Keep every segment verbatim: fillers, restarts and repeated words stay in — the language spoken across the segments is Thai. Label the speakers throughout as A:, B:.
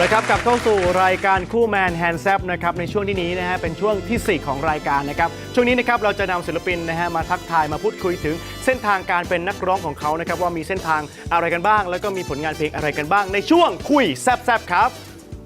A: ละครับกลับเข้าสู่รายการคู่แมนแฮนด์แซปนะครับในช่วงที่นี้นะฮะเป็นช่วงที่สี่ของรายการนะครับช่วงนี้นะครับเราจะนำศิลปินนะฮะมาทักทายมาพูดคุยถึงเส้นทางการเป็นนักร้องของเขานะครับว่ามีเส้นทางอะไรกันบ้างแล้วก็มีผลงานเพลงอะไรกันบ้างในช่วงคุยแซบๆครับ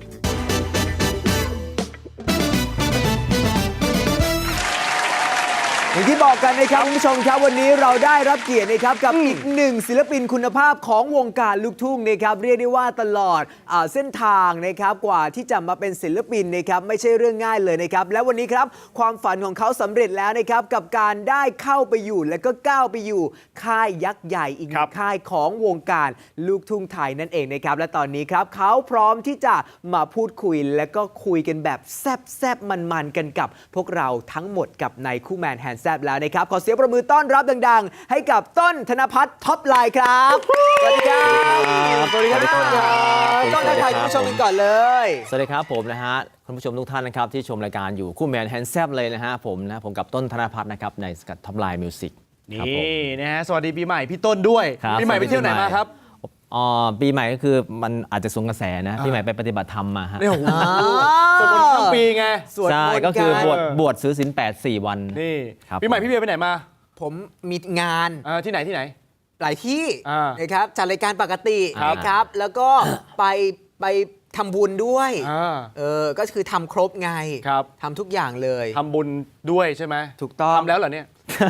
B: อย่างที่บอกกันนะครับคุณผู้ชมครับวันนี้เราได้รับเกียรตินะครับกับอีกหนึ่งศิลปินคุณภาพของวงการลูกทุ่งนะครับเรียกได้ว่าตลอดเส้นทางนะครับกว่าที่จะมาเป็นศิลปินนะครับไม่ใช่เรื่องง่ายเลยนะครับและวันนี้ครับความฝันของเขาสำเร็จแล้วนะครับกับการได้เข้าไปอยู่และก็ก้าวไปอยู่ค่ายยักษ์ใหญ่อีกหนึ่งค่ายของวงการลูกทุ่งไทยนั่นเองนะครับและตอนนี้ครับเขาพร้อมที่จะมาพูดคุยและก็คุยกันแบบแซ่บๆมันๆกันกับพวกเราทั้งหมดกับในคู่แมนแฮนด์แซบแล้วนะครับขอเสียงประมือต้อนรับดังๆให้กับต้นธนภัทรท็อปไลน์ครับสวัสดีครับสวัสดีครับต้นครับต้นทักทายคุณผู้ชมกันก่อนเลย
C: สวัสดีครับผมนะฮะคุณผู้ชมทุกท่านนะครับที่ชมรายการอยู่คู่แมนแฮนด์แซบเลยนะฮะผมนะผมกับต้นธนภัทรนะครับในสกัดท็อปไลน์มิวสิก
A: นี่นะฮะสวัสดีปีใหม่พี่ต้นด้วยปีใหม่ไปเที่ยวไหนมาครับ
C: อ๋อปีใหม่ก็คือมันอาจจะสวนกระแสนะปีใหม่ไปปฏิบัติธรรมมาฮะ
A: โอ้โหสวดมนต์ข้ามปีไง
C: ใช่ก็คือบวชบวชซื้อศีลแปดสี่วัน
A: นี่ปีใหม่พี่เบียร์ไปไหนมา
B: ผมมีงาน
A: ที่ไหนที่ไหน
B: หลายที่นะครับจัดรายการปกตินะครับแล้วก็ไปไปทำบุญด้วยเออก็คือทำครบไงทำทุกอย่างเลย
A: ทำบุญด้วยใช่ไหม
B: ถูกต้อง
A: ทำแล้วเหรอเนี่ย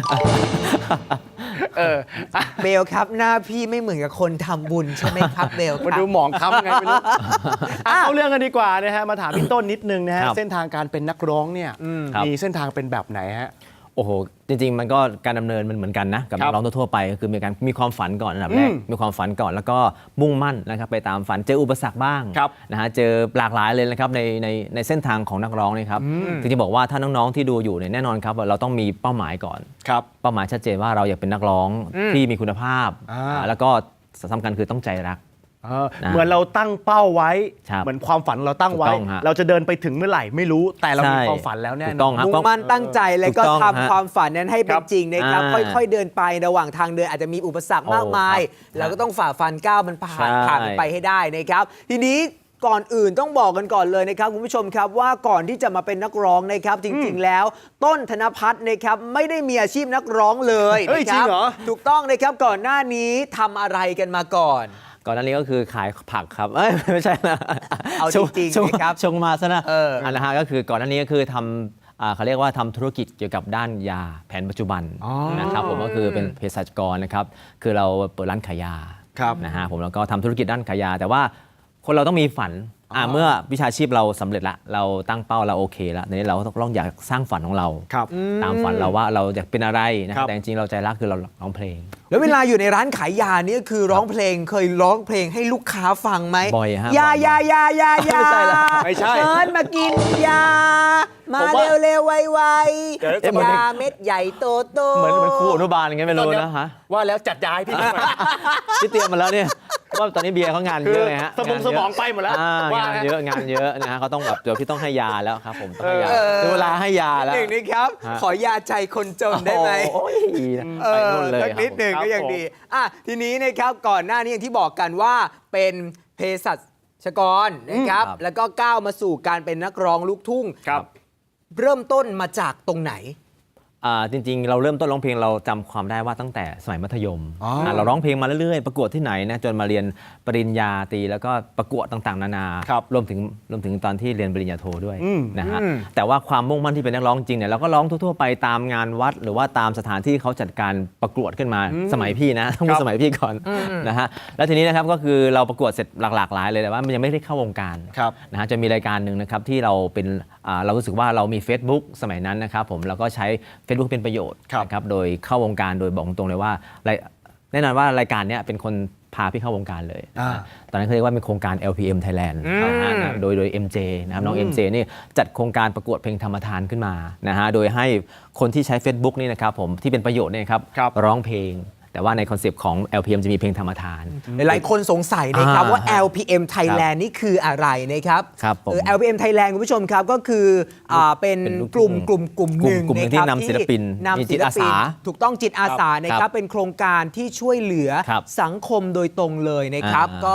B: เออเบลครับหน้าพี่ไม่เหมือนกับคนทำบุญใช่ไหมครับเบล
A: มาดูหมองค้ำไงไม่รู้เอาเรื่องกันดีกว่านะฮะมาถามพี่ต้นนิดนึงนะฮะเส้นทางการเป็นนักร้องเนี่ยมีเส้นทางเป็นแบบไหนฮะ
C: โอ้โหจริงๆมันก็การดำเนินมันเหมือนกันนะกับนักร้องทั่วไปก็คือมีการมีความฝันก่อนอันดับแรกมีความฝันก่อนแล้วก็มุ่งมั่นนะครับไปตามฝันเจออุปสรรคบ้างนะฮะเจอหลากหลายเลยนะครับในในในเส้นทางของนักร้องนี่ครับจริงๆบอกว่าถ้าน้องๆที่ดูอยู่เนี่ยแน่นอนครับเราต้องมีเป้าหมายก่อนเป้าหมายชัดเจนว่าเราอยากเป็นนักร้องที่มีคุณภาพแล้วก็สำคัญคือต้องใจรัก
A: เหมือนเราตั้งเป้าไว้เหมือนความฝันเราตั้งไว้เราจะเดินไปถึงเมื่อไหร่ไม่รู้แต่เรามีความฝันแล้วแน่นอน
B: มุ่งมั่นตั้งใจแล้วก็ทำความฝันนั้นให้เป็นจริงนะครับค่อยๆเดินไประหว่างทางเดินอาจจะมีอุปสรรคมากมายเราก็ต้องฝ่าฟันก้าวมันผ่านผ่านไปให้ได้นะครับทีนี้ก่อนอื่นต้องบอกกันก่อนเลยนะครับคุณผู้ชมครับว่าก่อนที่จะมาเป็นนักร้องนะครับจริงๆแล้วต้นธนภัทรนะครับไม่ได้มีอาชีพนักร้องเลยนะครับถูกต้องนะครับก่อนหน้านี้ทำอะไรกันมาก่อน
C: ก่อนหน้านี้ก็คือขายผักครับเอ้ยไม่ใช่นะ
B: เอาจริงๆนะครับ
C: ชงมาซะนะอันนะฮะก็คือก่อนหน้านี้ก็คือทำเขาเรียกว่าทำธุรกิจเกี่ยวกับด้านยาแผนปัจจุบันนะครับผมก็คือเป็นเภสัชกรนะครับคือเราเปิดร้านขายยานะฮะผมแล้วก็ทำธุรกิจด้านขายยาแต่ว่าคนเราต้องมีฝันเมื่อวิชาชีพเราสำเร็จละเราตั้งเป้าเราโอเคแล้วทีนี้เราต้องอยากสร้างฝันของเราตามฝันเราว่าเราอยากเป็นอะไรนะแต่จริงๆเราใจรักคือเราร้องเพลง
B: แล้วเวลาอยู่ในร้านขายยานี่คือร้องเพลงเคยร้องเพลงให้ลูกค้าฟังไหม
C: บ่อยฮะ
B: ยายายายายา
A: ไม่ใช่ละไม่ใช่
B: เชิญมากินยามาเร็วเร็วไวไวยาเม็ดใหญ่โตโต
C: เหมือนเหมือนครูอนุบาลอย่างเงี้ยไม่รู้นะฮะ
A: ว่าแล้วจัดยาให้พี่
C: พี่เตรียมมาแล้วเนี่ยว่าตอนนี้เบียร์เขางานเยอะไงฮะ
A: สมองสมองไปหมดแล้ว
C: งานเยอะงานเยอะนะฮะเขาต้องแบบเดี๋ยวพี่ต้องให้ยาแล้วครับผมต้องให้ยาเวลาให้ยาแล้ว
B: หนึ่งนี่ครับขอยาใจคนจนได้ไหม
C: โอ้ยไปนู่นเลย
B: นิดหนึ่งก็ยังดีอ่ะทีนี้นะครับก่อนหน้านี้อย่างที่บอกกันว่าเป็นเภสัชกรนะครับแล้วก็ก้าวมาสู่การเป็นนักร้องลูกทุ่งเริ่มต้นมาจากตรงไหน
C: จริงๆเราเริ่มต้นร้องเพลงเราจำความได้ว่าตั้งแต่สมัยมัธยมเราร้องเพลงมาเรื่อยๆประกวดที่ไหนนะจนมาเรียนปริญญาตรีแล้วก็ประกวดต่างๆนานารวมถึงรวมถึงตอนที่เรียนปริญญาโทด้วยนะฮะแต่ว่าความมุ่งมั่นที่เป็นนักร้องจริงเนี่ยเราก็ร้องทั่วๆไปตามงานวัดหรือว่าตามสถานที่เขาจัดการประกวดขึ้นมาสมัยพี่นะต้องสมัยพี่ก่อนนะฮะแล้วทีนี้นะครับก็คือเราประกวดเสร็จหลากหลายเลยแต่ว่ามันยังไม่ได้เข้าวงการนะฮะจะมีรายการหนึ่งนะครับที่เราเป็นเรารู้สึกว่าเรามี Facebook สมัยนั้นนะครับผมเราก็ใช้ Facebook เป็นประโยชน์นะครับโดยเข้าวงการโดยบอกตรงเลยว่าแน่นอนว่ารายการนี้เป็นคนพาพี่เข้าวงการเลยตอนนั้นเขาเรียกว่าเป็นโครงการ แอล พี เอ็ม Thailand นะโดยโดย เอ็ม เจ นะครับน้อง เอ็ม เจ นี่จัดโครงการประกวดเพลงธรรมทานขึ้นมานะฮะโดยให้คนที่ใช้ Facebook นี่นะครับผมที่เป็นประโยชน์เนี่ยครับร้องเพลงแต่ว่าในคอนเซปต์ของ แอล พี เอ็ม จะมีเพลงธรรมทาน
B: หลายคนสงสัยนะครับว่า แอล พี เอ็ม Thailand นี่คืออะไรนะครับ
C: ครับ
B: แอล พี เอ็ม Thailand คุณผู้ชมครับก็คือเป็นกลุ่มกลุ่มกลุ่มหนึ่ง
C: ที่นำศิลปินมีจิตอาสา
B: ถูกต้องจิตอาสานะครับเป็นโครงการที่ช่วยเหลือสังคมโดยตรงเลยนะครับก็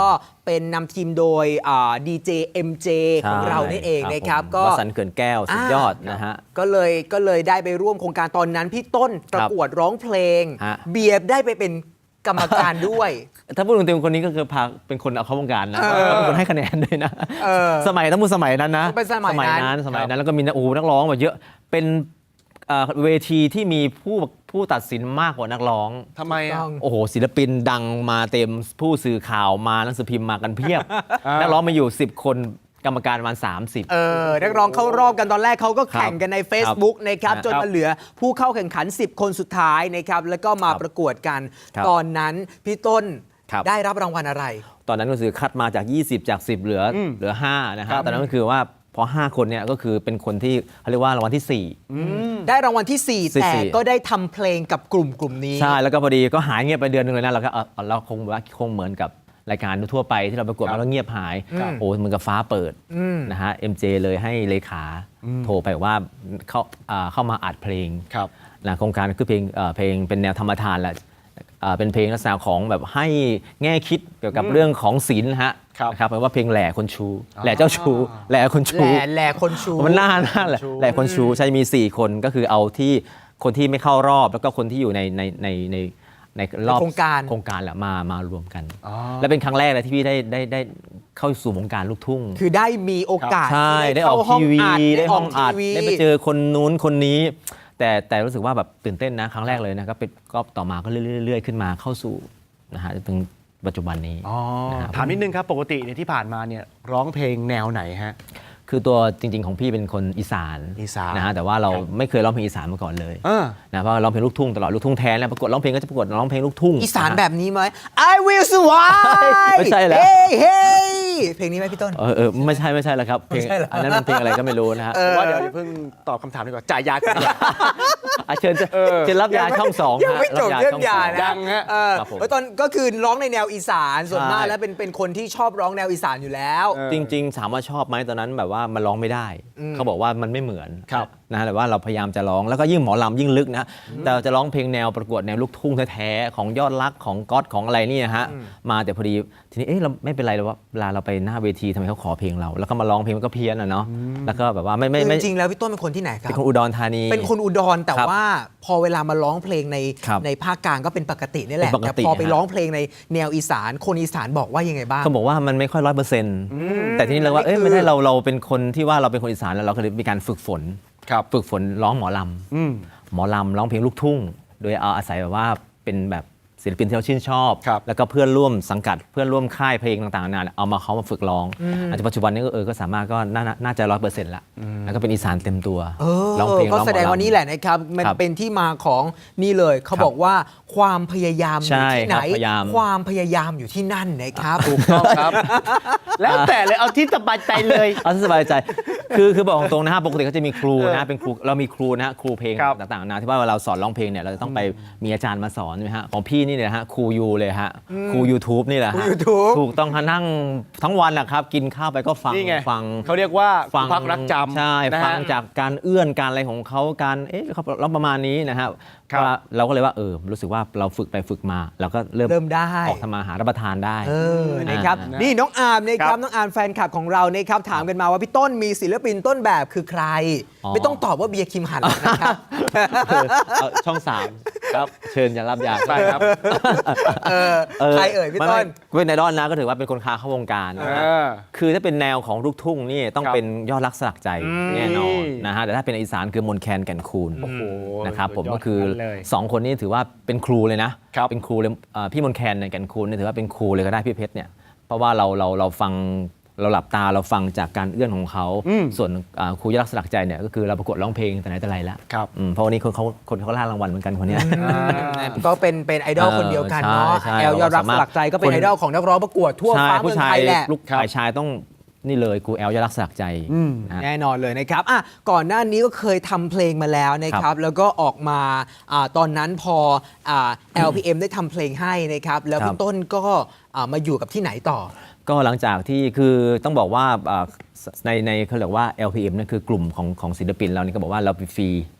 B: เป็นนำทีมโดยดีเจเอ็มเจของเรานี่เองนะครับ
C: ผม
B: ก็
C: วสันต์เกินแก้วสุดยอดนะฮะ
B: ก็เลยก็เลยได้ไปร่วมโครงการตอนนั้นพี่ต้นประกวดร้องเพลง
C: ฮะ
B: เบียร์ได้ไปเป็นกรรมการด้วย
C: ถ้าพูดถึงคนนี้ก็คือพาเป็นคนเอาเข้าวงการนะเป็นคนให้คะแนนด้วยนะ
B: เออ
C: สมัยต้องพูดสมัยนั้นนะ
B: เป็นสมัยนั้น
C: สมัยนั้นแล้วก็มีนักโอ้โหนักร้องแบบเยอะเป็นเอ่อเวทีที่มีผู้ผู้ตัดสินมากกว่านักร้อง
A: ทำไมอ่ะ
C: โอ้โหศิลปินดังมาเต็มผู้สื่อข่าวมาหนังสือพิมพ์มากันเพียบ นักร้องมาอยู่สิบคนกรรมการประมาณสามสิบ
B: เออนักร้องเข้ารอบกันตอนแรกเขาก็แข่งกันใน Facebook นะครับ
C: ครับ
B: จนมาเหลือผู้เข้าแข่งขัน สิบ คนสุดท้ายนะครับแล้วก็มา
C: ครับ
B: ประกวดกัน
C: ครับ
B: ตอนนั้นพี่ต้น
C: ครับ
B: ได้รับรางวัลอะไร
C: ตอนนั้นก็คือคัดมาจาก ยี่สิบ จาก สิบ เหลืออเหลือห้านะค
A: ครั
C: รับบ ตอนนั้นก็คือว่าพอห้าคนเนี่ยก็คือเป็นคนที่เขาเรียกว่ารางวัลที่สี่
B: ได้รางวัลที่ สี่
C: สี่
B: แต่ก็ได้ทำเพลงกับกลุ่มกลุ่มนี้
C: ใช่แล้วก็พอดีก็หายเงียบไปเดือนหนึงเลยนะเราก็เออเราคงว่าคงเหมือนกับรายการทั่วไปที่เราประกวดมาแล้วเงียบหาย
B: ครับ
C: โอ้เหมือนกับฟ้าเปิดนะฮะ เอ็ม เจ เลยให้เลขาโทรไปว่าเข้าอ่าเข้ามาอัดเพลง
A: ครับ
C: นะโครงการคือเพลงเอ่อเพลงเป็นแนวธรรมทานแหละเอ่อเป็นเพลงลักษณะของแบบให้แง่คิดเกี่ยวกับเรื่องของศีลนะฮะ
A: ครับ
C: นะครับแปลว่าเพลงแหล่คนชูแหล่เจ้าชูแหล่คนชู
B: แหล่แหล่คนชู
C: มันน่าน่าแหละแหล่คนชูใช่มี สี่ คนก็คือเอาที่คนที่ไม่เข้ารอบแล้วก็คนที่อยู่ในในในในในรอบ
B: โครงการ
C: โครงการแหละมามารวมกัน
A: อ๋อ
C: และเป็นครั้งแรกเลยที่พี่ได้ได้ได้เข้าสู่วงการลูกทุ่ง
B: คือได้มีโอกาส
C: ใช่
B: ที่
C: ได้ออก
B: เข้า
C: ทีวี
B: ห้
C: ได้ห้องอัด
B: ทีวี
C: ได้ไปเจอคนนู้นคนนี้ แต่แต่รู้สึกว่าแบบตื่นเต้นนะครั้งแรกเลยนะก็เป็นก็ต่อมาก็เรื่อยๆขึ้นมาเข้าสู่นะฮะจนถึงปัจจุบันนี้
A: อ๋อ
C: นะครับ
A: ถามนิดนึงครับ ปกติเนี่ยที่ผ่านมาเนี่ยร้องเพลงแนวไหนฮะ
C: คือตัวจริง ๆ ของพี่เป็นคนอีสาน
A: อีสาน
C: นะฮะแต่ว่าเราไม่เคยร้องเพลงอีสานมาก่อนเลย
A: เออ
C: นะเพราะว่าร้องเพลงลูกทุ่งตลอดลูกทุ่งแท้แล้วประกวดร้องเพลงก็จะประกวดร้องเพลงลูกทุ่ง
B: อีสาน
C: ะฮะ
B: แบบนี้ไหม I will survive
C: ไม่ใช่แล้ว
B: เฮ้ยเฮ้ยเพลงนี้ไหมพี่ต้น
C: เออเออไม่ใช่ไม่ใช่แล้วครับเพลง
B: ไม่ใช่เหรออั
C: อันนั้นมันเพลงอะไรก็ไม่รู้นะฮะ
A: ว่าเดี๋ยวอย่าเพิ่งตอบคำถามดีกว่าจ่ายยากันดีกว่า
C: อ่ะเชิญเชิญเชิญรับยาช่องสอง
B: ยังไม่จบ
C: ฮะ
B: เรื่องยา
C: บ
B: นะ
A: ยังฮะ
B: เออ
C: ครับผม
B: แล้วตอนก็คือร้องในแนวอีสานส่วนมาก
C: ใช่
B: แล้วเป็นเป็นคนที่ชอบร้องแนวอีสานอยู่แล้ว
A: เออ
C: จริงๆถามว่าชอบไหมตอนนั้นแบบว่ามันร้องไม่ได้ เขาบอกว่ามันไม่เหมือน
A: ครับ
C: นะฮะแต่ว่าเราพยายามจะร้องแล้วก็ยิ่งหมอลำยิ่งลึกนะแต่เราจะร้องเพลงแนวประกวดแนวลูกทุ่งแท้ๆของยอดรักของก๊อตของอะไรนี่นะฮะมาแต่พอดีทีนี้เอ๊ะเราไม่เป็นไรเลยว่าเวลาเราไปหน้าเวทีทำไมเขาขอเพลงเรา แล้วก็มาร้องเพลงมันก็เพี้ยนอ่ะเนาะแล้วก็แบบว่าไม่ไม่
B: คือ
C: ไม่
B: จริงๆแล้วพี่ต้นเป็นคนที่ไหนครั
C: เป็
B: บ
C: นคนอุดรธานี
B: เป็นคนอุดรแต่
C: ครับ
B: ว่าพอเวลามาร้องเพลงใน
C: ครับ
B: ในภาคกลางก็เป็นปกตินี่แหละ
C: เป็นปก
B: แต่
C: ติ
B: พอไป
C: ฮะ
B: ร้องเพลงในแนวอีสานคนอีสานบอกว่ายังไงบ้าง
C: เขาบอกว่ามันไม่ค่อยร้อยเปอร์เซ็นต์แต่ทีนี้เราว่าเอ้ย
B: คือ
C: ไม่ได้เราเราเป็นคนที่ว่าเราเป็นคนอีสานแล้วเราก็เลยมีการฝึกฝน
A: ครับ
C: ฝึกฝนร้องหมอล
A: อืม
C: ำหมอลำร้องเพลงลูกทุ่ง โดยเอาอาศัยแบบว่าเป็นแบบศิลปินที่เราชื่นชอบ
A: ครับ
C: แล้วก็เพื่อนร่วมสังกัดเพื่อนร่วมค่ายเพลงต่างๆนานาเอามาเขามาฝึกร้องอาจจะปัจจุบันนี้ก็เออก็สามารถก็น่าน่าจะร้อยเปอร์เซ็นต์ละแล้วก็เป็นอีสานเต็มตัว
B: เออ
C: ร้องเพลง
B: ก็
C: ร้องหมอลำ
B: แสดงว่านี่แหละนะครับมัน
C: ครับ
B: เป็นที่มาของนี่เลยเขา
C: ครับ
B: บอกว่าความพยายามอ
C: ใช่
B: ยู่ที่ไหน
C: ครับพยายาม
B: ความพยายามอยู่ที่นั่นนะครับ
A: ถูกต้องครับ แล้วแต่เลยเอาที่สบายใจเลย
C: เอาที่สบายใจ คือคือบอกตรงๆนะฮะปกติก็จะมีครูนะฮะเป็นครูเรามีครูนะฮะครูเพลง
A: ครับ
C: ต่างๆนะที่ว่าเวลาเราสอนร้องเพลงเนี่ยเราจะต้องไปมีอาจารย์มาสอนใช่ไหมฮะของพี่นี่เนี่ยฮะครูยูเลยฮะครู YouTube นี่แหละ
B: ครู
C: ฮะ
B: YouTube
C: ถูกต้องฮะนั่งทั้งวันนะครับกินข้าวไปก็ฟัง
A: นี่ไง
C: ฟัง
A: เขาเรียกว่า
C: ฟัง
A: พักรักจำ
C: ใช่
A: นะฮะ
C: ฟังจากการเอื้อนการอะไรของเขาการเอ๊ะเขาร้องประมาณนี้นะฮะ
A: ครับ
C: ว่าเราก็เลยว่าเออรู้สึกว่าเราฝึกไปฝึกมาเราก็เริ่ม
B: เริ่มได้
C: ออกทำมาหารับประทานได้
B: เออนะครับ
C: อ่า
B: นี่น้องอาร์มนะค
A: ครั
B: รับบ น้องอาร์มแฟนคลับของเรานะครับถามกันมาว่าพี่ต้นมีศิลปินต้นแบบคือใคร
C: อ๋อ
B: ไม่ต้องตอบว่าเบียร์คิมหันหรอกนะครับ
C: เออเอาช่องสาม
A: ครับ
C: เชิญอย่ารับยา
A: ไปครับ
B: เออใครเอ่ยพี่
C: ไม่
B: ต้น
C: ไม่เป็นไอดอลนะก็ถือว่าเป็นคนค้าเข้าวงการนะฮะ
A: เออ
C: คือถ้าเป็นแนวของลูกทุ่งนี่ต้อง
A: ครับ
C: เป็นยอดรักสลักใจแน่นอน
A: อืม
C: นะฮะแต่ถ้าเป็นอีสานคือมนแคนแก่นคูณ
A: โอ้โห
C: นะครับผม
A: สุดยอด
C: ก็คือ
A: ทั้งนั้นเลย
C: สองคนนี้ถือว่าเป็นครูเลยนะครับ เป็นครูเลยเอ่อพี่มนแคนเนี่ยแก่นคูณเนี่ยถือว่าเป็นครูเลยก็ได้พี่เพชรเนี่ยเพราะว่าเราเราเราฟังเราหลับตาเราฟังจากการเอื้อนของเขา
A: อืม
C: ส่วนอ่าครูยอดรักสลักใจเนี่ยก็คือเราประกวดร้องเพลงแต่ไหนแต่ไรแล้ว
A: ครับ
C: อืมเพราะวันนี้คนเขาคนเขาล่ารางวัลเหมือนกันคนเนี้ย
B: ก็เป็นเป็นไอดอล
C: เออ
B: คนเดียวกันเนาะ
C: ใช่ใช่
B: แอลยอดรักสลักใจก็เป็น
C: คน
B: ไอดอลของนักร้องประกวดทั่ว
C: ใช่
B: ฟ้าเมื
C: ผู้
B: อง
C: ชา
B: ไท
C: ย
B: ยแหละ
C: ลูกฝ่ายชายต้องนี่เลยครูแอลยอดรักสลักใจนะฮะ
B: แน่นอนเลยนะครับอ่ะก่อนหน้านี้ก็เคยทำเพลงมาแล้วนะค
C: ครั
B: รับ
C: บ
B: แล้วก็ออกมาอาตอนนั้นพออ่า แอล พี เอ็ม ได้ทำเพลงให้นะครับ แล้ว
C: ครับ
B: คุณต้นก็อ่ามาอยู่กับที่ไหนต่อ
C: ก็หลังจากที่คือต้องบอกว่าอ่าในในเขาเรียกว่า แอล พี เอ็ม นั่นคือกลุ่มของของศิลปินเรานี่ก็บอกว่าเราฟรีฟ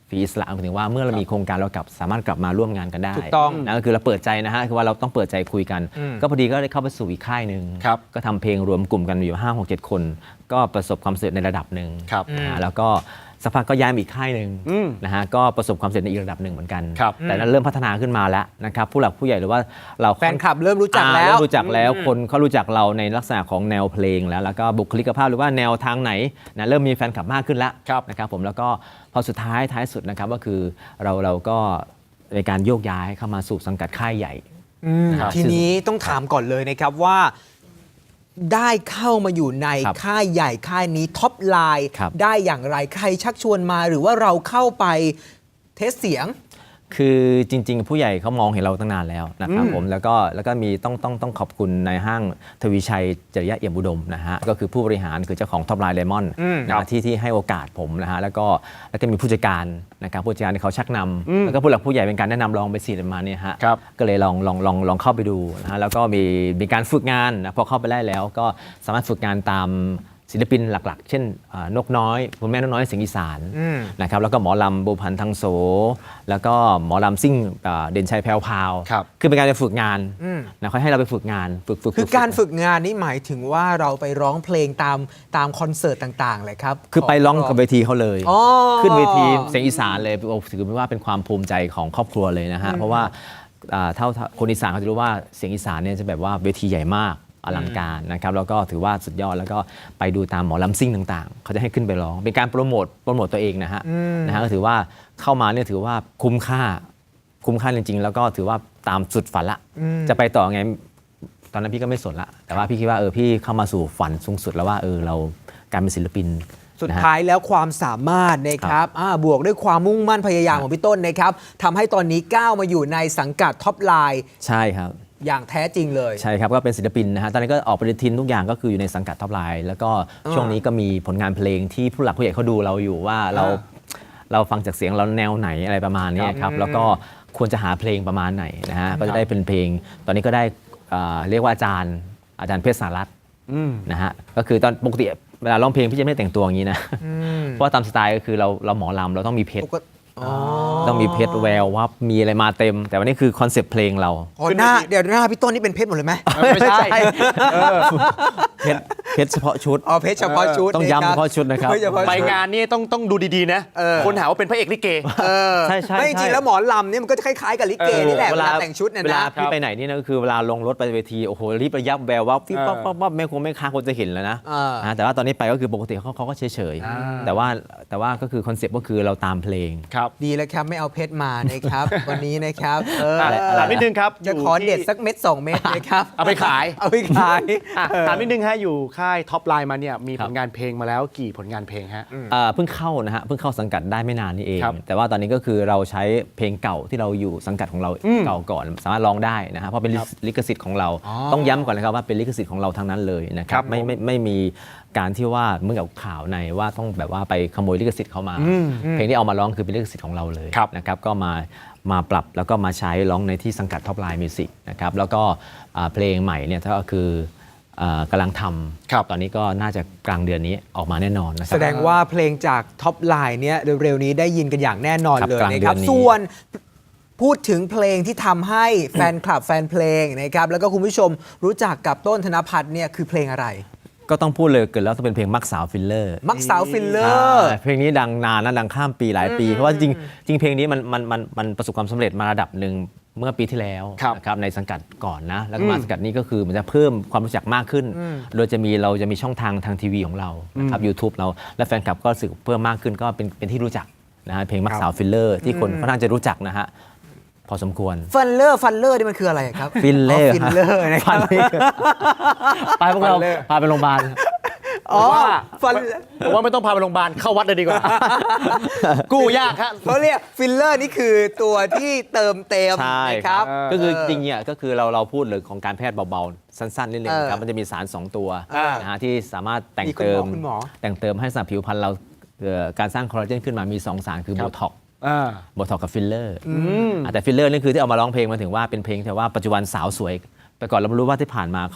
C: ฟรีอิสระหมายถึงว่าเมื่อเรามีโครงการเรากลับสามารถกลับมาร่วมงานกันได้
B: ถูกต้อง
C: นะก็คือเราเปิดใจนะฮะคือว่าเราต้องเปิดใจคุยกัน
B: อืม
C: ก็พอดีก็ได้เข้าไปสู่อีกค่ายหนึ่ง
A: ครับ
C: ก็ทำเพลงรวมกลุ่มกันอยู่ห้าหกเจ็ดคน ก็ประสบความสำเร็จในระดับหนึ่ง
A: ครับ
C: นะฮะแล้วก็สักพักก็ย้ายมาอีกค่ายหนึ่ง
A: อืม
C: นะฮะก็ประสบความสำเร็จในอีกระดับหนึ่งเหมือนกัน
A: ครับ
C: แต่นั้นเริ่มพัฒนาขึ้นมาแล้วนะครับผู้หลักผู้ใหญ่หรือว่าเรา
B: แฟนคลับเริ่มรู้จัก
C: อ่า
B: แล้ว
C: เริ่มรู้จักแล้วคนเขารู้จักเราในลักษณะของแนวเพลงแล้วแล้วก็บุคลิกภาพหรือว่าแนวทางไหนนะเริ่มมีแฟนคลับมากขึ้นแล้ว
A: ครับ
C: นะครับผมแล้วก็พอสุดท้ายท้ายสุดนะครับก็คือเราเราก็ในการโยกย้ายเข้ามาสู่สังกัดค่ายใหญ่
B: อืม
C: ครับ
B: ทีนี้ต้องถามก่อนเลยนะครับว่าได้เข้ามาอยู่ใน
C: ครับ
B: ค่ายใหญ่ค่ายนี้ท็อปไลน์
C: ครับ
B: ได้อย่างไรใครชักชวนมาหรือว่าเราเข้าไปเทสเสียง
C: คือจริง ๆ ผู้ใหญ่เขามองเห็นเราตั้งนานแล้วนะครับผมแล้วก็แล้วก็มีต้องต้องต้องขอบคุณในายห้างทวีชัยจริยะเอี่ยมอุดมนะฮะก็คือผู้บริหารคือเจ้าของท็อปไลน์เลมอน
B: อืม
C: นะฮะที่ที่ให้โอกาสผมนะฮะแล้วก็แล้วก็มีผู้จัดการนะครับผู้จัดการที่เขาชักนำแล้วก็ผู้หลักผู้ใหญ่เป็นการแนะนำลองไปสี่ประมาณเนี้ฮะ
A: ครับ
C: ก็เลยลองลองลองลองเข้าไปดูนะฮะแล้วก็มีมีการฝึกงานนะพอเข้าไปได้แล้วก็สามารถฝึกงานตามศิลปินหลักๆ เช่นอ่านกน้อยคุณแม่นกน้อยเสียงอีสาน
B: อืม
C: นะครับแล้วก็หมอลำบุพันธ์ทางโส แล้วก็หมอลำซิ่งอ่าเด่นชัยแพรวพราว
A: ครับ
C: คือเป็นการไปฝึกงาน
B: อืม
C: นะเขาให้เราไปฝึกงานฝึกฝึก
B: คือการฝึกงานนี่หมายถึงว่าเราไปร้องเพลงตามตามคอนเสิร์ตต่างๆเลยครับ
C: คือไปร้องกับเวทีเขาเลย
B: อ๋อ
C: ขึ้นเวทีเสียงอีสานเลยโอ้ถือว่าเป็นความภูมิใจของครอบครัวเลยนะฮะเพราะว่าอ่าเท่าคนอีสานเขาจะรู้ว่าเสียงอีสานเนี่ยจะแบบว่าเวทีใหญ่มากอลังการนะครับแล้วก็ถือว่าสุดยอดแล้วก็ไปดูตามหมอลำซิ่งต่างๆ เขาจะให้ขึ้นไปร้องเป็นการโปรโมทโปรโมทตัวเองนะฮะนะฮะก็ถือว่าเข้ามาเนี่ยถือว่าคุ้มค่าคุ้มค่าจริงๆ แล้วก็ถือว่าตามสุดฝันละจะไปต่อไงตอนนั้นพี่ก็ไม่สนละแต่ว่าพี่คิดว่าเออพี่เข้ามาสู่ฝันสูงสุดแล้วว่าเออเราการเป็นศิลปิน
B: สุด
C: นะฮะ
B: ท้ายแล้วความสามารถนะครับอ่าบวกด้วยความมุ่งมั่นพยายามของพี่ต้นนะครับทำให้ตอนนี้ก้าวมาอยู่ในสังกัดท็อปไลน์
C: ใช่ครับ
B: อย่างแท้จริงเลย
C: ใช่ครับก็เป็นศิลปินนะฮะตอนนี้ก็ออกปฏิทินทุกอย่างก็คืออยู่ในสังกัดท็อปไลน์แล้วก็ช่วงนี้ก็มีผลงานเพลงที่ผู้หลักผู้ใหญ่เขาดูเราอยู่ว่าเรา
B: อ่า
C: เราฟังจากเสียงเราแนวไหนอะไรประมาณนี้ครับแล้วก็ควรจะหาเพลงประมาณไหนนะฮะก็จะได้เป็นเพลง ตอนนี้ก็ได้อ่าเรียกว่าอาจารย์อาจารย์เพชรสารัตน์นะฮะก็คือตอนปกติเวลาร้องเพลงพี่จะไม่ได้แต่งตัวอย่างนี้นะเพราะว่าตามสไตล์ก็คือเราเราหมอลำเราต้องมีเพชร
B: ปกติอ๋อ
C: ต้องมีเพชรแววว่ามีอะไรมาเต็ม แต่วันนี้คือคอนเซปต์เพลงเรา
B: อ๋อหน้าเดี๋ยวหน้าพี่ต้นนี่เป็นเพชรหมดเลยไหม
A: ไม่ใช่
C: เพชรเพชรเฉพาะชุด
B: อ๋อเพชรเฉพาะชุด
C: ต้องย้ำ
B: นค
C: เฉ
B: รับ
C: พาะชุดนะครับ
B: เพชเฉพาะ
A: ไป
B: ชุด
A: งานนี่ต้องต้องดูดีๆนะ
B: เออ
A: คนหาว่าเป็นพระเอกลิเก
B: เออ
C: ใช่ใช่
B: ไม่จริง
C: ใช่
B: ๆแล้วหมอลำเนี่ยมันก็จะคล้ายๆกับลิเกนี่แหละเวลาแต่งชุดเนี่ย
C: เวลา
B: นะ
C: พี่ไปไหนนี่นะก็คือเวลาลงรถไปเวทีโอ้โหรีบระยับแววว่าฟิบปั๊บปั๊บปั๊บแม่คงแม่ค้าคนจะเห็นแล้วนะ
B: อ่าน
C: นะแต่ว่าตอนนี้ไปก็คือปกติเขาเขาก็เฉยเฉยๆแต่ว่าแต่ว่าก็คือคอนเซปต์ก็คือเราตามเพลง
A: ครับ
B: ดีแล้วครับไม่เอาเพชรมานะครับ วันนี้นะครับเออ
C: อะไรอะไร
A: ถามนิดนึงครับ
B: จะ
A: ยู่
B: ขอ
A: ที่
B: เด็ดสักเม็ดสองเม็ดนะครับ
A: เอาไปขาย
B: เอาไปขาย
A: อ่ะถามนิดนึงฮะอยู่ค่ายท็อปไลน์มาเนี่ยมี
C: ครั
A: ผ
C: บ
A: ลงานเพลงมาแล้วกี่ผลงานเพลงฮะ
C: เอ่อเพิ่งเข้านะฮะเพิ่งเข้าสังกัดได้ไม่นานนี่เอง
A: ครับ
C: แต่ว่าตอนนี้ก็คือเราใช้เพลงเก่าที่เราอยู่สังกัดของเราเก่าก่อนสามารถร้องได้นะฮะเพราะเป็นลิขลิขสิทธิ์ของเรา ต้องย้ำก่อนนะครับว่าเป็นลิขสิทธิ์ของเราทั้งนั้นเลยนะค
A: ครั
C: รั
A: บบ
C: ไม่
A: ผม
C: ไม่ไม่มีการที่ว่าเมื่อกับข่าวในว่าต้องแบบว่าไปขโมยลิขสิทธิ์เขามา เพลงที่เอามาร้องคือเป็นลิขสิทธิ์ของเราเลย
A: ครับ
C: นะครับก็มามาปรับแล้วก็มาใช้ร้องในที่สังกัดท็อปไลน์มิวสิกนะครับแล้วก็อ่าเพลงใหม่เนี่ยก็คืออ่ากำลังท
A: ครับ
C: ำตอนนี้ก็น่าจะกลางเดือนนี้ออกมาแน่นอนนะครั
B: แสดงว่าเพลงจากท็อปไลน์เนี่ยเร็วๆนี้ได้ยินกันอย่างแน่นอน
C: ครับ
B: เลย
C: กลาง
B: นะครับ
C: เดือนนี้
B: ส่วนพูดถึงเพลงที่ทำให้แฟนคลับแฟนเพลงนะครับแล้วก็คุณผู้ชมรู้จักกับต้นธนพัฒน์เนี่ยคือเพลงอะไร
C: ก็ต้องพูดเลยเกิดแล้วต้องเป็นเพลงมักสาวฟิลเลอร์
B: มักสาวฟิลเลอร์
C: อ่าเพลงนี้ดังนานนะดังข้ามปีหลายปี เพราะว่าจริงจริงเพลงนี้มันมันมันมันประสบความสำเร็จมาระดับหนึ่งเมื่อปีที่แล้ว
A: ครับ
C: นะครับในสังกัดก่อนนะแล้วก็มาสังกัดนี้ก็คือมันจะเพิ่มความรู้จักมากขึ้น โดยจะมีเราจะมีช่องทางทางทีวีของเรานะครับ YouTube เราและแฟนคลับก็รู้สึกเพิ่มมากขึ้นก็เป็นเป็นที่รู้จักนะฮะเพลงมักสาวฟิลเลอร์ที่คนค่อนข้างจะรู้จักนะฮะพอสมควร
B: ฟันเลอร์ฟันเลอร์นี่มันคืออะไรครับ
C: ฟิลเลอร์
B: ฟิลเลอร์นะค
C: ฟั
B: รับ
C: นนี่ไปพวกเราพาไปโรงพยาบาล
B: อ๋อ
A: ว่า
B: ฟัน
A: ผมว่าไม่ต้องพาไปโรงพยาบาลเข้าวัดเลยดีกว่า กู้ยากฮะ
B: เขาเรียกฟิลเลอร์นี่คือตัวที่เติมเต็ม
C: ใช่
B: นะ
C: ค
B: ค
C: รั
B: รั
C: บบ ก็คือจริงๆเนี่ยก็คือเราเราพูดเรื่องของการแพทย์เบาๆ สั้นๆนิดนึง
B: เออ
C: ครับมันจะมีสาร สอง ตัว
B: อ่าน
C: นะฮะที่สามารถแต่ง
B: มีคุณ
C: เติ
B: หม
C: ม
B: อคุณหมอ
C: แต่งเติมให้สำหรับผิวพรรณเราเอ่อการสร้างคอลลาเจนขึ้นมามี สอง สารคือ
A: ค
C: โบ
A: รับ
C: ท็อกซ์
A: อ่า
C: โบท็อกซ์กับฟิลเลอร์แต่ฟิลเลอร์นี่คือที่เอามาร้องเพลงมาถึงว่าเป็นเพลงแต่ว่าปัจจุบันสาวสวย แต่ก่อนเราไม่รู้ว่าที่ผ่านมาเขา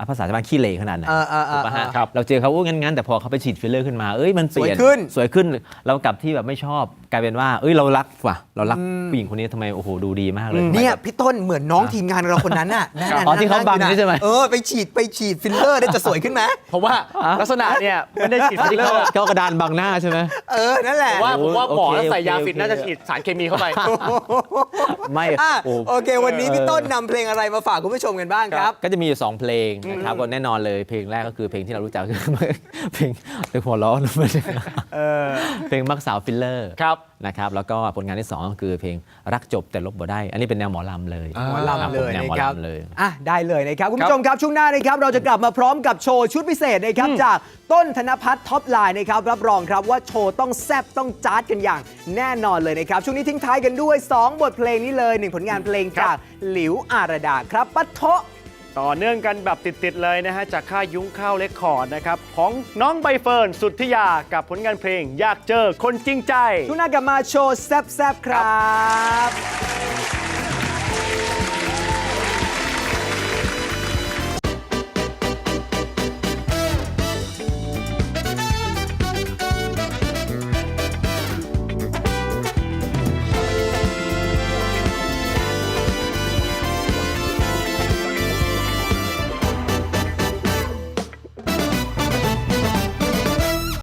C: ภาษาชาวบ้านขี้เหร่ขนาดไหน
B: อ่าอ่าอ่า
C: ถูกปะฮะ
A: ครับ
C: เราเจอเขาโอ้งั้นๆแต่พอเขาไปฉีดฟิลเลอร์ขึ้นมาเอ้ยมันเปลี่ยน
B: สวยขึ้น
C: สวยขึ้นเรากลับที่แบบไม่ชอบกลายเป็นว่าเอ้ยเรารักว่ะเรารักผู้หญิงคนนี้ทำไมโอ้โหดูดีมากเลย
B: เนี่ยพี่ต้นเหมือนน้องทีมงานเราคนนั้นน่ะนั่นน่ะ
C: อ๋อที่เขาบัง
B: นั่น
C: นี่ใช่ไหม
B: เออไปฉีดไปฉีดฟิลเลอร์ได้จะสวยขึ้นไหม
A: เพราะว่าลักษณะเนี่ยไม่ได้ฉีดฟิลเลอ
C: เขา
A: ร์
C: เขากระดานบังหน้าใช่ไหม
B: เออนั่นแหละ
A: ว่าผมว่าหมอ
C: โอเค
A: แล้วใส่ยา
C: โอเค
A: ฟินน่าจะ
C: โอเค
A: ฉีดสารเคมีเข้าไป
C: ไม่
B: อ่ะ
C: โอ้
B: โอเค วันนี้พี่ต้นนำเพลงอะไรมาฝากคุณผู้ชมกันบ้างครับ
C: ก็จะมีอยู่สองเพลงนะครับก็แน่นอนเลยเพลงแรกก็คือเพลงที่เรารู้จักคือ เพลงเพลงหัวล้อนะเพลงมักสาวฟิลเลอร์
A: ครับ
C: นะครับแล้วก็ผลงานที่สองก็คือเพลงรักจบแต่ลบบ่ได้ อันนี้เป็นแนวหมอลำเลย
B: หมอลำเลย
C: แนวหมอ
B: นะครับ
C: ลำเลย
B: อ่ะได้เลยนะครับ คุณผู้ชมครับ ช่วงหน้านะครับ เราจะกลับมาพร้อมกับโชว์ชุดพิเศษนะครับ จากต้นธนพัฒน์ท็อปไลน์นะครับ รับรองครับว่าโชว์ต้องแซ่บต้องจ๊าดกันอย่างแน่นอนเลยนะครับ ช่วงนี้ทิ้งท้ายกันด้วย สอง บทเพลงนี้เลยหนึ่งผลงานเพลงจากหลิวอารดาครับปะโทะ
A: ต่อเนื่องกันแบบติด ๆ เลยนะฮะ จากค่ายยุ้งข้าวเรคคอร์ดนะครับ ของน้องใบเฟิร์นสุทธิยากับผลงานเพลงอยากเจอคนจริงใจ
B: ช่วงหน้ากลับมาโชว์แซ่บๆครับ